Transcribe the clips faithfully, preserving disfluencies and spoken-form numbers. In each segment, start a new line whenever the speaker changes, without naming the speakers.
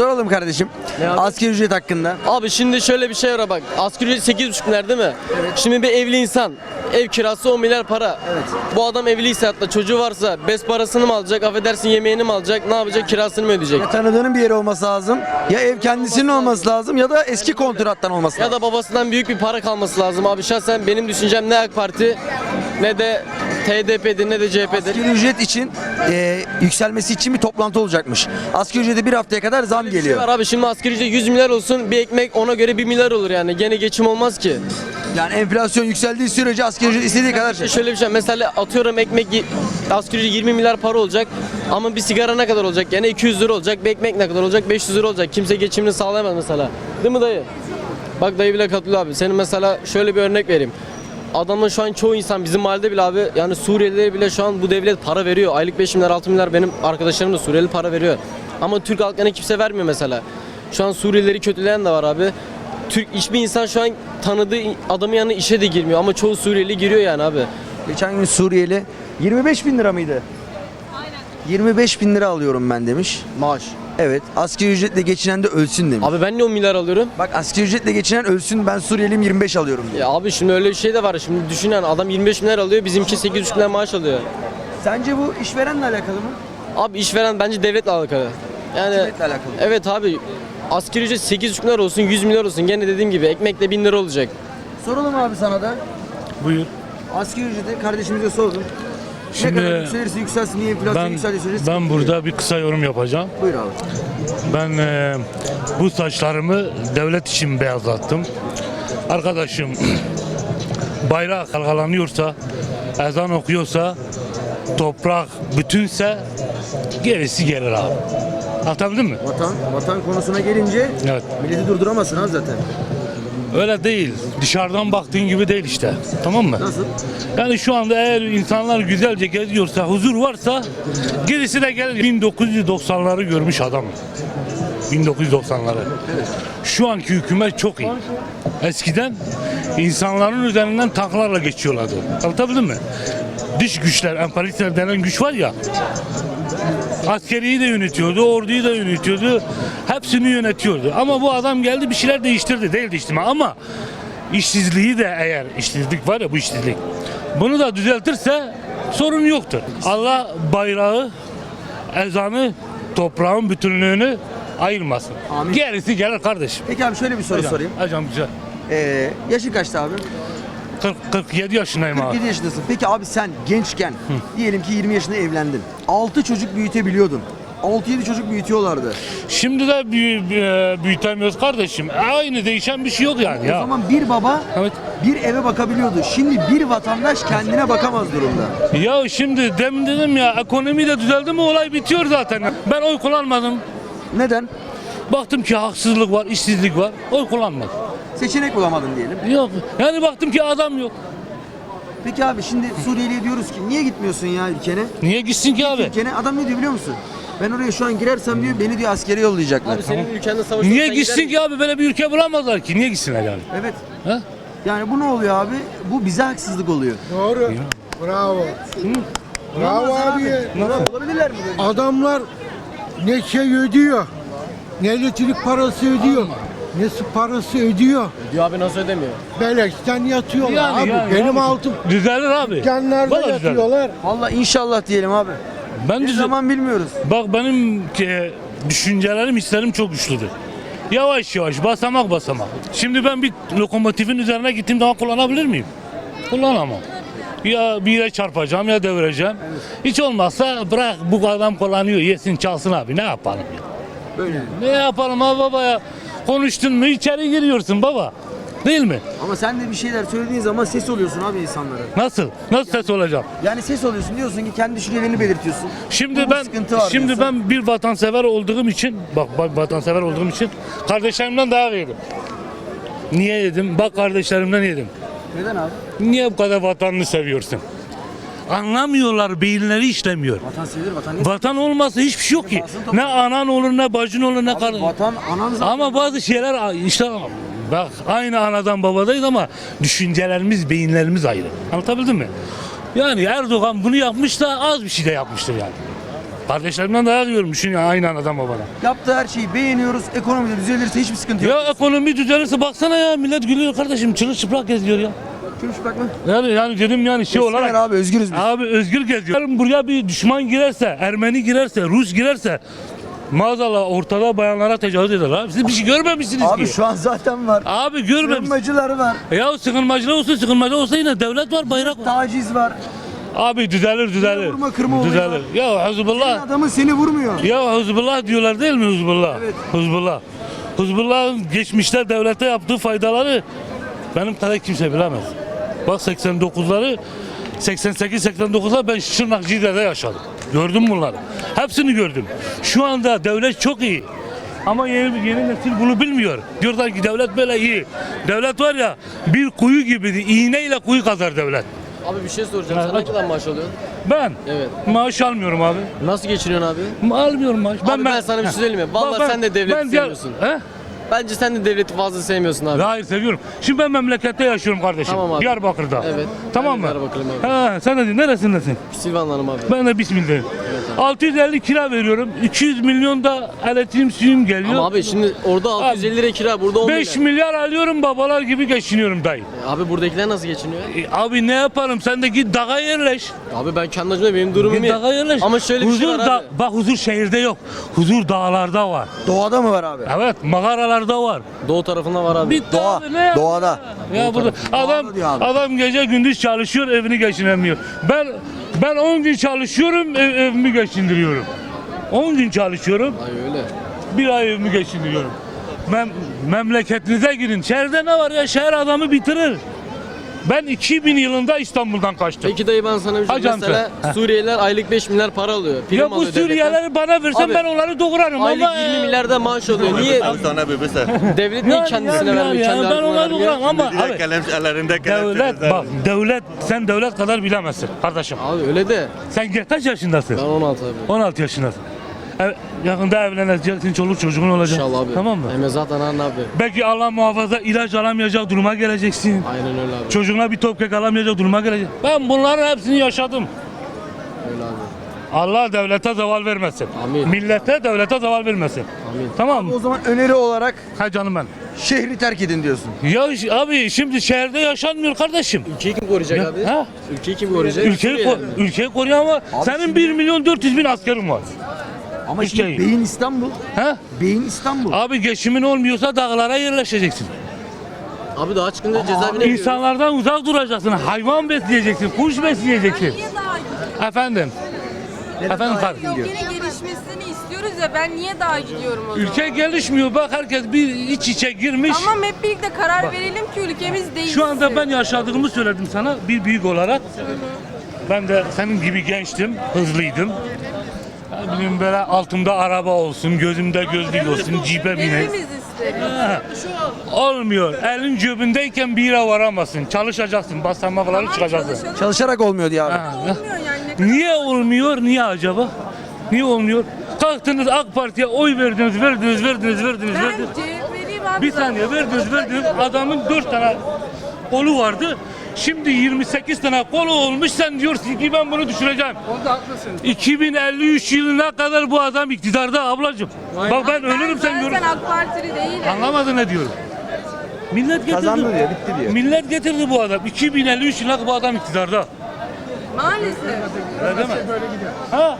Soralım kardeşim. Asgari ücret hakkında.
Abi şimdi şöyle bir şey var bak. Asgari ücret sekiz buçuk milyar değil mi? Evet. Şimdi bir evli insan ev kirası on milyar para. Evet. Bu adam evliyse hatta çocuğu varsa bez parasını mı alacak, affedersin yemeğini mi alacak, ne yapacak, kirasını mı ödeyecek?
Ya tanıdığının bir yeri olması lazım. Ya ev kendisinin olması lazım ya da eski kontrattan olması
Ya
lazım.
da babasından büyük bir para kalması lazım abi. Şahsen benim düşüncem ne AK Parti ne de T D P'dir ne de C H P'dir.
Asgari ücret için e, yükselmesi için bir toplantı olacakmış. Asgari ücrete bir haftaya kadar zam
Bir şey
geliyor.
var abi, şimdi asgari ücret yüz milyar olsun, bir ekmek ona göre bir milyar olur yani. Gene geçim olmaz ki.
Yani enflasyon yükseldiği sürece asgari ücret istediği kadar şey.
Şöyle bir şey, mesela atıyorum ekmek y- asgari ücret yirmi milyar para olacak ama bir sigara ne kadar olacak? Yani iki yüz lira olacak. Bir ekmek ne kadar olacak? beş yüz lira olacak. Kimse geçimini sağlayamaz mesela. Değil mi dayı? Bak dayı bile katılıyor abi. Senin mesela şöyle bir örnek vereyim. Adamın şu an çoğu insan bizim mahallede bile abi, yani Suriyelilere bile şu an bu devlet para veriyor. Aylık beş milyar altı milyar benim arkadaşlarım da Suriyeli para veriyor. Ama Türk halkına kimse vermiyor mesela. Şu an Suriyelileri kötüleyen de var abi. Türk hiçbir insan şu an tanıdığı adamın yanına işe de girmiyor ama çoğu Suriyeli giriyor yani abi.
Geçen gün Suriyeli yirmi beş bin lira mıydı? Aynen. yirmi beş bin lira alıyorum ben demiş.
Maaş.
Evet. Asgari ücretle geçinen de ölsün demiş.
Abi ben niye on milyar alıyorum?
Bak asgari ücretle geçinen ölsün, ben Suriyeliyim yirmi beş alıyorum diyor.
Ya abi şimdi öyle bir şey de var. Şimdi düşün yani, adam yirmi beş milyar alıyor, bizimki sekiz buçuk milyar maaş alıyor.
Sence bu işverenle alakalı mı?
Abi işveren bence devletle alakalı. Yani
Devletle alakalı.
evet abi. Asgari ücret sekiz buçuk milyar olsun, yüz milyar olsun. Gene dediğim gibi ekmekle bin lira olacak.
Soralım abi sana da.
Buyur.
Asgari ücreti kardeşimize sordum.
Şimdi
ne kadar yükselirse yükselsin, niye enflasyon
Ben
yükseldiği sürece sıkıntı
ben
değil.
burada bir kısa yorum yapacağım.
Buyur abi.
Ben e, bu saçlarımı devlet için beyazlattım. Arkadaşım bayrak dalgalanıyorsa, ezan okuyorsa, toprak bütünse gerisi gelir abi. Anlatabildim mi?
Vatan, vatan konusuna gelince
Evet.
milleti durduramazsın abi zaten.
Öyle değil. Dışarıdan baktığın gibi değil işte. Tamam mı?
Nasıl?
Yani şu anda eğer insanlar güzelce geziyorsa, huzur varsa gerisi de gelir. bin dokuz yüz doksanları görmüş adam. bin dokuz yüz doksanları. Şu anki hükümet çok iyi. Eskiden insanların üzerinden tanklarla geçiyorlardı. Anlatabildim mi? Dış güçler, emperyalistler denen güç var ya. Askeriyi de yönetiyordu, orduyu da yönetiyordu. Hepsini yönetiyordu. Ama bu adam geldi bir şeyler değiştirdi. Değil değiştirme ama işsizliği de, eğer işsizlik var ya, bu işsizlik. Bunu da düzeltirse sorun yoktur. Allah bayrağı, ezanı, toprağın bütünlüğünü ayırmasın.
Amin.
Gerisi gelir kardeşim.
Peki abi şöyle bir soru
Hocam,
sorayım.
hocam güzel.
Ee, yaşın kaçtı abi?
kırk, kırk yedi yaşındayım
kırk
abi.
yedi yaşındasın. Peki abi sen gençken diyelim ki yirmi yaşında evlendin. altı çocuk büyütebiliyordun. altı yedi çocuk büyütüyorlardı.
Şimdi de büyü, büyü- büyütemiyoruz kardeşim. Aynı, değişen bir şey yok yani
O
ya.
zaman bir baba
Evet.
bir eve bakabiliyordu. Şimdi bir vatandaş kendine bakamaz durumda.
Ya şimdi demin dedim ya, ekonomi de düzeldi mi olay bitiyor zaten. Ben oy kullanmadım.
Neden?
Baktım ki haksızlık var, işsizlik var. Oy kullanmadım.
Seçenek bulamadın diyelim.
Yok. Yani baktım ki adam yok.
Peki abi şimdi Suriyeli'ye diyoruz ki niye gitmiyorsun ya ülkene?
Niye gitsin ki abi?
Ülkene adam ne diyor biliyor musun? Ben oraya şu an girersem diyor beni diyor askere yollayacaklar.
Abi senin ülkende savaş
Niye
olsa
gitsin
gider
ki abi? Böyle bir ülke bulamazlar ki. Niye gitsinler yani?
Evet.
Ha?
Yani bu ne oluyor abi? Bu bize haksızlık oluyor.
Doğru. Bravo. Bravo
Olmaz
abi.
Nasıl? Olabilirler mi böyle?
Adamlar ne şey ödüyor, ne elektrik parası ödüyor, ne su parası ödüyor.
diyor abi, nasıl ödemiyor?
Beleşten yatıyorlar
Yani,
abi.
yani,
Benim
yani.
altım
Düzelir abi.
dükkanlarda
Vallahi düzelir.
yatıyorlar.
Vallahi inşallah diyelim abi.
Ben
Ne
düzel-
zaman bilmiyoruz.
Bak benim e, düşüncelerim, hislerim çok güçlüdür. Yavaş yavaş, basamak basamak. Şimdi ben bir lokomotifin üzerine gittiğim zaman kullanabilir miyim? Kullanamam. Ya bir yere çarpacağım ya devireceğim. Hiç olmazsa bırak, bu adam kullanıyor, yesin çalsın abi, ne yapalım ya?
Böyle.
Ne yapalım abi baba ya? Konuştun mu içeri giriyorsun baba. Değil mi?
Ama sen de bir şeyler söylediğin zaman ses oluyorsun abi insanlara.
Nasıl? Nasıl ses olacak?
Yani ses oluyorsun, diyorsun ki kendi düşüncelerini belirtiyorsun.
Şimdi
Bu
ben
sıkıntı var
şimdi
diyorsun.
ben bir vatansever olduğum için, bak bak vatansever olduğum için kardeşlerimden daha yedim. Niye yedim? Bak kardeşlerimden yedim.
Neden abi?
Niye bu kadar vatanını seviyorsun? Anlamıyorlar, beyinleri işlemiyor.
Vatan sevilir, vatan ne?
Vatan olmasa hiçbir şey yok ki. Ne anan olur, ne bacın olur, ne
Abi
karın.
vatan anan zaten.
Ama bazı şeyler işte, bak aynı anadan babadayız ama düşüncelerimiz, beyinlerimiz ayrı. Anlatabildim mi? Yani Erdoğan bunu yapmış da az bir şey de yapmıştır yani. Kardeşlerimden dayak yiyorum. Düşün ya aynı anadan babana.
Yaptığı her şeyi beğeniyoruz. Ekonomide düzelirse hiçbir sıkıntı yok.
Ya ekonomi düzelirse baksana ya millet gülüyor kardeşim. Çırılçıplak geziyor ya.
Görüş bakma.
Yani yani dedim yani şey
Olarak...
olarak.
abi özgürüz biz.
Abi özgür geziyor. Yarın buraya bir düşman girerse, Ermeni girerse, Rus girerse maazallah ortada bayanlara tecavüz eder abi. Siz bir şey görmemişsiniz
Abi
ki.
şu an zaten var.
Abi görmemişsiniz.
Sığınmacıları var.
Ya sıkılmacılar olsun sıkılmacı olsa yine devlet var bayrak var.
Taciz var.
Abi düzelir düzelir.
Vurma, kırma olayı
düzelir.
var.
Ya Hizbullah.
Adamı seni vurmuyor.
Ya Hizbullah diyorlar değil mi Hizbullah?
Evet.
Hizbullah. Hizbullah'ın geçmişte devlete yaptığı faydaları benim kadar kimse bilemez. Bak seksen dokuzları seksen sekiz seksen dokuzlar ben Şırnakcide'de yaşadım. Gördüm bunları. Hepsini gördüm. Şu anda devlet çok iyi. Ama yeni, yeni nesil bunu bilmiyor. Diyorlar ki devlet böyle iyi. Devlet var ya bir kuyu gibidir. İğneyle kuyu kazar devlet.
Abi bir şey soracağım. Sen ne kadar maaş alıyorsun?
Ben
Evet.
maaş almıyorum abi.
Nasıl geçiniyorsun abi?
Ma- Almıyorum maaş.
Abi ben sana bir şey söyleyeyim mi? Vallahi
Ben-
sen de devleti
ben diğer-
sevmiyorsun.
He?
Bence sen de devleti fazla sevmiyorsun abi.
Hayır seviyorum. Şimdi ben memlekette yaşıyorum kardeşim.
Tamam abi.
Diyarbakır'da.
Evet.
Tamam
Ben
mı?
de Diyarbakırlıyım abi.
Ha, sen de neresindesin?
Silvanlanım abi.
Ben de Bismillah'ım. altı yüz elli kira veriyorum. iki yüz milyon da elektriğim suyum geliyor.
Ama abi şimdi orada altı yüz elli lira kira, burada on
beş
milyar.
milyar alıyorum babalar gibi geçiniyorum dayı.
E Abi buradakiler nasıl geçiniyor?
E, abi ne yaparım sen de git dağa yerleş.
Abi ben kendi acımda benim durumum
Git
iyi.
dağa yerleş.
Ama şöyle bir
huzur
şey var
da-
abi.
Bak huzur şehirde yok. Huzur dağlarda var.
Doğada mı var abi?
Evet mağaralarda var.
Doğu tarafında var abi.
Bitti
Doğa,
abi, ne ya?
doğada.
Ya burada adam
Doğada diyor abi.
adam gece gündüz çalışıyor evini geçinemiyor. Ben ben on gün çalışıyorum ev- evimi geçindiriyorum. on gün çalışıyorum
Ay öyle.
bir ay evimi geçindiriyorum. Mem memleketinize girin. Şehirde ne var ya? Şehir adamı bitirir. Ben iki bin yılında İstanbul'dan kaçtım.
Peki dayı ben sana bir şey
Hacı
mesela
amca.
Suriyeliler aylık beş milyar para alıyor. Prim
Ya bu
alıyor devletten.
Suriyelileri bana versen
Abi,
ben onları doğurarım
Aylık
ama
yirmi milyarda maaş alıyor. Niye?
Sana bir mesela.
Devlet niye
Yani,
kendisine
yani,
vermiyor?
yani,
Kendi
ben
halkına
onları
vermiyor?
doğurarım ama abi,
Kalem, ellerinde kalem.
devlet bak devlet sen devlet kadar bilemezsin kardeşim.
Abi öyle de.
Sen kaç yaşındasın?
Ben on altı abi.
on altı yaşındasın. Ev- yakında evleneceksin, çoluk çocuğun olacak.
İnşallah abi.
Tamam mı?
Hem zaten abi.
Belki Allah muhafaza ilaç alamayacak duruma geleceksin.
Aynen öyle abi.
Çocuğuna bir top kek alamayacak duruma gelecek. Ben bunların hepsini yaşadım.
Öyle abi.
Allah devlete zeval vermesin.
Amin.
Millete devlete zeval vermesin.
Amin.
Tamam
O
mı?
zaman öneri olarak
Ha canım ben.
şehri terk edin diyorsun.
Ya ş- abi şimdi şehirde yaşanmıyor kardeşim.
Ülkeyi kim koruyacak
Ya,
abi?
ha?
Ülkeyi kim koruyacak?
Ülkeyi, ko-
Suriyeliler mi?
ülkeyi koruyan ama senin
şimdi-
bir milyon dört yüz bin askerin var.
Ama şimdi
Ülkeyi.
beyin İstanbul.
Ha?
Beyin İstanbul.
Abi geçimin olmuyorsa dağlara yerleşeceksin.
Abi daha çıkınca cezaevine giriyor.
İnsanlardan uzak duracaksın. Hayvan besleyeceksin, kuş besleyeceksin.
Niye daha gidiyorum?
Efendim. Efendim kar.
Ülkenin gelişmesini istiyoruz ya, ben niye daha gidiyorum o zaman?
Ülke gelişmiyor bak herkes bir iç içe girmiş.
Tamam, hep birlikte karar verelim ki ülkemiz değişsin.
Şu anda ben yaşadığımı söyledim sana bir büyük olarak. Ben de senin gibi gençtim, hızlıydım. Ne bileyim böyle altımda araba olsun, gözümde gözlük olsun, cipe bineyim.
Hepimiz isteriz.
Ha, olmuyor. Elin cebindeyken bir yere varamazsın. Çalışacaksın, basamakları çıkacaksın.
Çalışalım.
Çalışarak olmuyor diye abi.
Ha,
Olmuyor yani. Ne kadar-
Niye olmuyor? Niye acaba? Niye olmuyor? Kalktınız AK Parti'ye oy verdiniz, verdiniz, verdiniz, verdiniz,
Ben
verdiniz.
C H P'liyim abi.
Bir saniye verdiniz, verdiniz. Adamın dört tane kolu vardı. Şimdi yirmi sekiz tane kolu olmuş. Sen diyorsun ki ben bunu düşüreceğim. Onda haklısın. iki bin elli üç yılına kadar bu adam iktidarda ablacığım. Bak ben ölürüm sen
Ben
görürsün.
zaten AK Partili değilim.
Anlamadın ne diyorum? Millet getirdi.
Kazandı diyor, bitti diyor.
Millet getirdi bu adam. iki bin elli üç yılına kadar bu adam iktidarda.
Maalesef.
Öyle değil mi? Ha?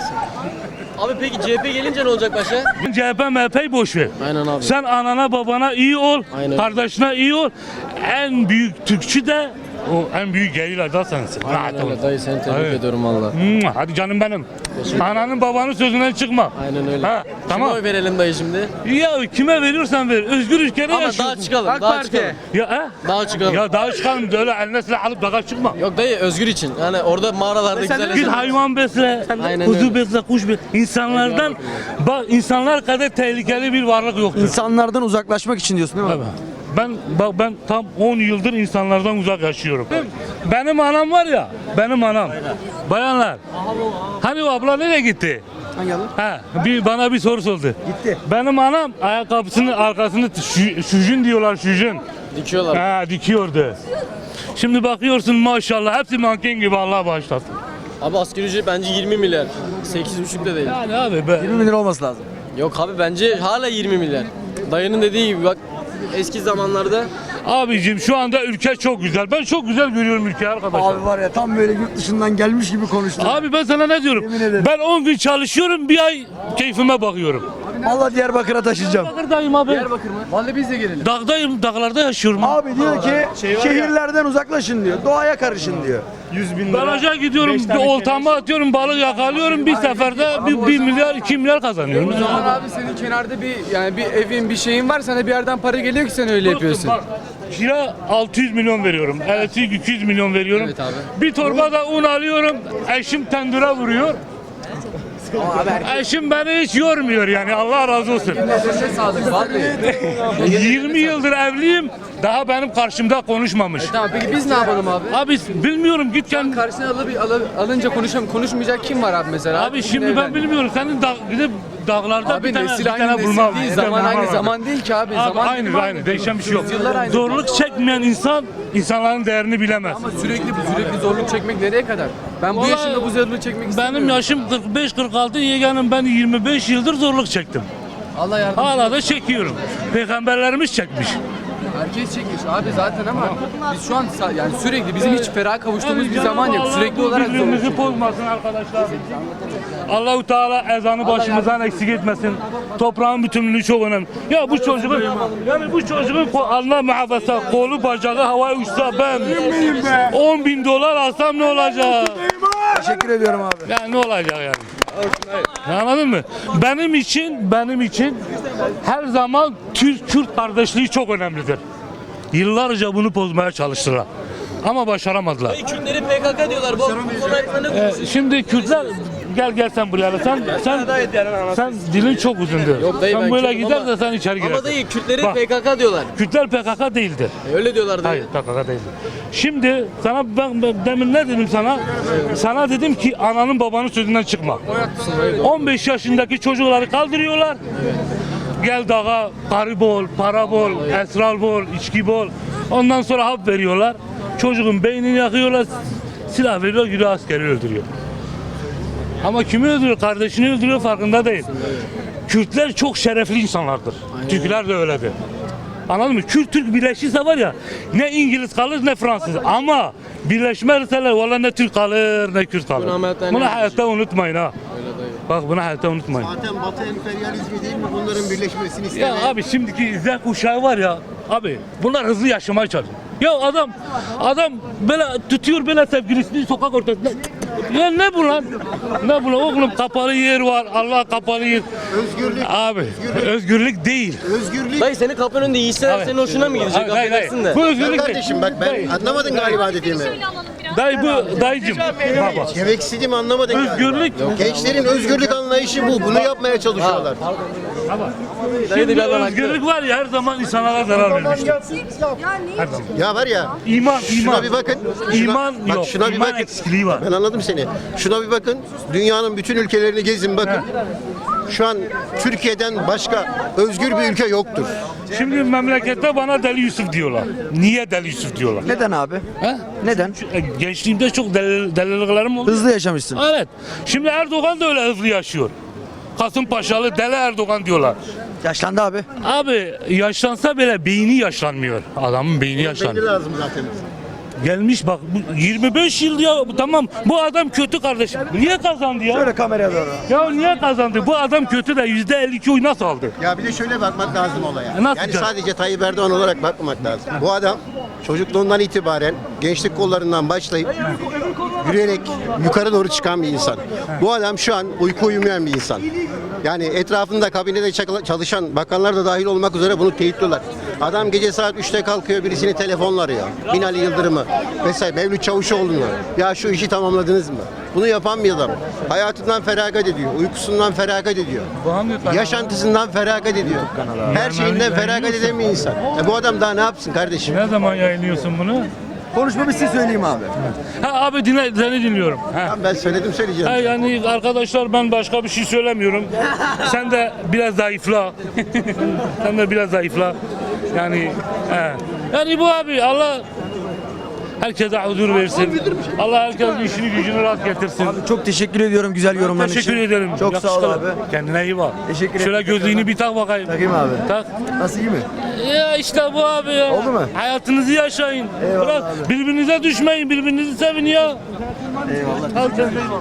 Abi peki C H P gelince ne olacak başa?
C H P M H P'yi boş ver.
Aynen abi.
Sen anana babana iyi ol,
Aynen.
kardeşine iyi ol. En büyük Türkçü de o en büyük geyler da sensin. Rahat
Aynen
ol.
öyle dayı, seni tebrik
Evet.
ediyorum valla.
Mua, Hadi canım benim. Ananın babanın sözünden çıkma.
Aynen öyle.
Ha,
Kime
tamam.
oy verelim dayı şimdi?
Ya kime veriyorsan ver. Özgür ülkede
Ama
yaşıyorsun.
daha çıkalım, daha çıkalım.
Ya, ha?
Daha çıkalım.
ya daha çıkalım öyle eline silah alıp dağa çıkma.
Yok dayı, özgür için. Yani orada mağaralarda güzel
Git
yaşamak.
hayvan besle,
Aynen
kuzu
öyle.
besle, kuş besle. İnsanlardan, bak insanlar kadar tehlikeli bir varlık yoktur.
İnsanlardan uzaklaşmak için diyorsun değil mi?
Evet. Ben bak ben tam on yıldır insanlardan uzak yaşıyorum. Benim anam var ya, benim anam. Bayanlar. Hani o abla nereye gitti?
Hangi adam?
Ha, bir bana bir soru sordu.
Gitti.
Benim anam ayakkabısının arkasını şu, şujun diyorlar şujun.
Dikiyorlar.
Ha dikiyordu. Şimdi bakıyorsun maşallah hepsi manken gibi Allah bağışlasın.
Abi asgari ücret bence yirmi milyar. sekiz buçuk da değil.
Yani abi be.
yirmi bin lira olması lazım.
Yok abi bence hala yirmi milyar. Dayının dediği gibi bak eski zamanlarda
Abicim şu anda ülke çok güzel. Ben çok güzel görüyorum ülkeyi arkadaşlar.
Abi var ya tam böyle yurt dışından gelmiş gibi konuştun.
Abi ben sana ne diyorum?
Yemin ederim.
Ben on gün çalışıyorum, bir ay keyfime bakıyorum.
Vallahi Diyarbakır'a taşıyacağım.
Diyarbakır'dayım abi.
Diyarbakır mı? Vallahi biz de gelelim.
Dağdayım, dağlarda yaşıyorum.
Abi diyor ki şehirlerden uzaklaşın diyor. Doğaya karışın diyor.
Baraja gidiyorum, bir oltamı atıyorum, balık yakalıyorum. Bir seferde bir, bir milyar, iki milyar kazanıyorum.
O zaman abi senin kenarda bir yani bir evin bir şeyin var sana bir yerden para geliyor ki sen öyle yapıyorsun.
Bak, kira altı yüz milyon veriyorum. Elektrik iki yüz milyon veriyorum.
Evet abi.
Bir torba da un alıyorum. Eşim tendüre vuruyor. Eşim beni hiç yormuyor yani, Allah razı olsun.
Nefese sağlık vallahi.
yirmi yıldır evliyim. Daha benim karşımda konuşmamış.
Tamam peki biz ne yapalım abi?
Abi bilmiyorum, git kendi.
Karşısına alıp al, alınca konuşam konuşmayacak kim var abi mesela?
Abi şimdi ben bilmiyorum. Senin da, gidip dağlarda
Abi
bir tane,
nesil
bir
aynı
tane
nesil
bulmam.
değil,
Bir
zaman
tane
aynı
bulmam.
zaman değil ki abi.
Abi
Zaman
aynı
dilimi
aynı değişen bir şey yok.
Yıllar aynı.
Zorluk çekmeyen insan insanların değerini bilemez.
Ama sürekli sürekli zorluk çekmek nereye kadar? Ben bu
Vallahi
yaşımda bu zorluğu çekmek istemiyorum.
Benim yaşım kırk beş kırk altı, yeğenim ben yirmi beş yıldır zorluk çektim.
Allah yardım.
Hala da çekiyorum. Peygamberlerimiz çekmiş.
Herkes çekmiş abi zaten ama biz şu an sa- yani sürekli bizim hiç ferah kavuştuğumuz bir zaman yok. Sürekli olarak zorluk
birbirimizi
çekiyoruz.
bozmasın arkadaşlar. Allahu Teala ezanı başımızdan eksik etmesin. Toprağın bütünlüğü çok önemli. Ya bu çocuğun yani bu çocuğun ko- Allah muhafaza kolu bacağı havaya uçsa ben on bin dolar alsam ne olacak?
Teşekkür ediyorum abi.
Ya ne olacak yani? Anladın mı? Benim için benim için her zaman Türk-Kürt kardeşliği çok önemlidir. Yıllarca bunu bozmaya çalıştılar. Ama başaramadılar.
Kürtleri P K K diyorlar. Bu, bu konu hakkında ne
Ee,
konuşuyorsun?
şimdi Kürtler gel gel sen buraya. Sen sen sen dilin çok uzundur.
Yok dayı,
sen
ben
böyle
Kürt'üm
gider
ama-
de sen içeri girersin.
Ama dayı Kürtleri
Bak.
P K K diyorlar.
Kürtler P K K değildir.
E, öyle diyorlar dayı.
Hayır P K K değildir. Şimdi sana ben, ben demin ne dedim sana? Sana dedim ki ananın babanın sözünden çıkma. on beş yaşındaki çocukları kaldırıyorlar. Gel dağa, karı bol, para bol, esrar bol, içki bol. Ondan sonra hap veriyorlar. Çocuğun beynini yakıyorlar. Silah veriyor, yürü askeri öldürüyor. Ama kimi öldürüyor? Kardeşini öldürüyor, farkında değil. Kürtler çok şerefli insanlardır. Türkler de öyledir. Anladın mı? Kürt Türk birleşirse var ya, ne İngiliz kalır ne Fransız. Ama birleşmezseler valla ne Türk kalır ne Kürt kalır.
Bunu hayatta
Bunu
ne
hayatta unutmayın ha. Bak bunu hayatta unutmayın.
Zaten Batı emperyalizmi değil mi bunların birleşmesini istemeyen?
Ya abi şimdiki Z kuşağı var ya abi, bunlar hızlı yaşamaya çalışıyor. Ya adam adam böyle tutuyor böyle sevgilisini sokak ortasında. Ya ne bu lan? Ne bu lan? Oğlum kapalı yer var. Allah kapalı yer.
Özgürlük.
Abi özgürlük değil.
Özgürlük.
Dayı senin kapının önünde yiyişseler
Abi.
senin hoşuna mı gidecek?
Hayır, hayır, hayır.
Affedersin de.
Bu
Sen
özgürlük değil.
kardeşim bak ben anlamadın galiba dediğimi.
Dayı bu dayıcım. Baba.
Demek istediğimi anlamadın galiba.
Özgürlük.
Gençlerin özgürlük anlayışı bu. Bunu yapmaya çalışıyorlar.
Dayı da bir
Şimdi
yandan haklı.
özgürlük var ya, her zaman insanlara zarar vermiştir. Her zaman.
Ya var ya.
İman,
Şuna
iman.
bir bakın. Şuna,
İman
bak
yok.
şuna bir
İman
bakın.
eksikliği var.
Ben anladım seni. Şuna bir bakın. Dünyanın bütün ülkelerini gezin bakın. Şu an Türkiye'den başka özgür bir ülke yoktur.
Şimdi memlekette bana Deli Yusuf diyorlar. Niye Deli Yusuf diyorlar?
Neden abi?
He?
Neden?
E, Gençliğimde çok deli, deliliklerim oldu.
Hızlı yaşamışsın.
Evet. Şimdi Erdoğan da öyle hızlı yaşıyor. Kasımpaşalı Deli Erdoğan diyorlar.
Yaşlandı abi.
Abi yaşlansa bile beyni yaşlanmıyor. Adamın beyni
Belli
yaşlanmıyor.
lazım zaten.
Gelmiş bak bu yirmi beş yıl ya, tamam bu adam kötü kardeşim. Niye kazandı ya?
Şöyle kameraya doğru.
Ya niye kazandı? Bu adam kötü de yüzde elli iki oy nasıl aldı?
Ya bir de şöyle bakmak lazım olaya.
E nasıl
Yani
canım?
sadece Tayyip Erdoğan olarak bakmamak lazım. Bu adam çocukluğundan itibaren gençlik kollarından başlayıp yürüyerek yukarı doğru çıkan bir insan. Bu adam şu an uyku uyumayan bir insan. Yani etrafında kabinede çakla- çalışan bakanlar da dahil olmak üzere bunu teyitliyorlar. Adam gece saat üçte kalkıyor, birisini telefonla arıyor. Binali Yıldırım'ı vesaire Mevlüt Çavuşoğlu'nu. Ya şu işi tamamladınız mı? Bunu yapan bir adam. Hayatından feragat ediyor, uykusundan feragat ediyor. Yaşantısından feragat ediyor. Her şeyinden feragat eden bir insan. E bu adam daha ne yapsın kardeşim?
Ne zaman yayınlıyorsun bunu?
Konuşma bitsin söyleyeyim abi.
Ha abi dinle, seni dinliyorum. Ha.
Tamam, ben söyledim söyleyeceğim.
Ha, yani arkadaşlar ben başka bir şey söylemiyorum. Sen de biraz zayıfla. Sen de biraz zayıfla. Yani he. Yani bu abi Allah Herkese huzur versin. Allah herkesin işini gücünü rahat getirsin.
Abi çok teşekkür ediyorum güzel yorumların için.
Teşekkür ederim.
Çok sağ ol
Yakışıklı.
abi.
Kendine iyi bak.
Teşekkür
Şöyle
ederim.
gözlüğünü bir tak bakayım.
Takayım abi.
Tak.
Nasıl, iyi mi?
Ya işte bu abi ya.
Oldu mu?
Hayatınızı yaşayın.
Eyvallah
Bırak
abi.
birbirinize düşmeyin, birbirinizi sevin ya.
Eyvallah.
Al sen de.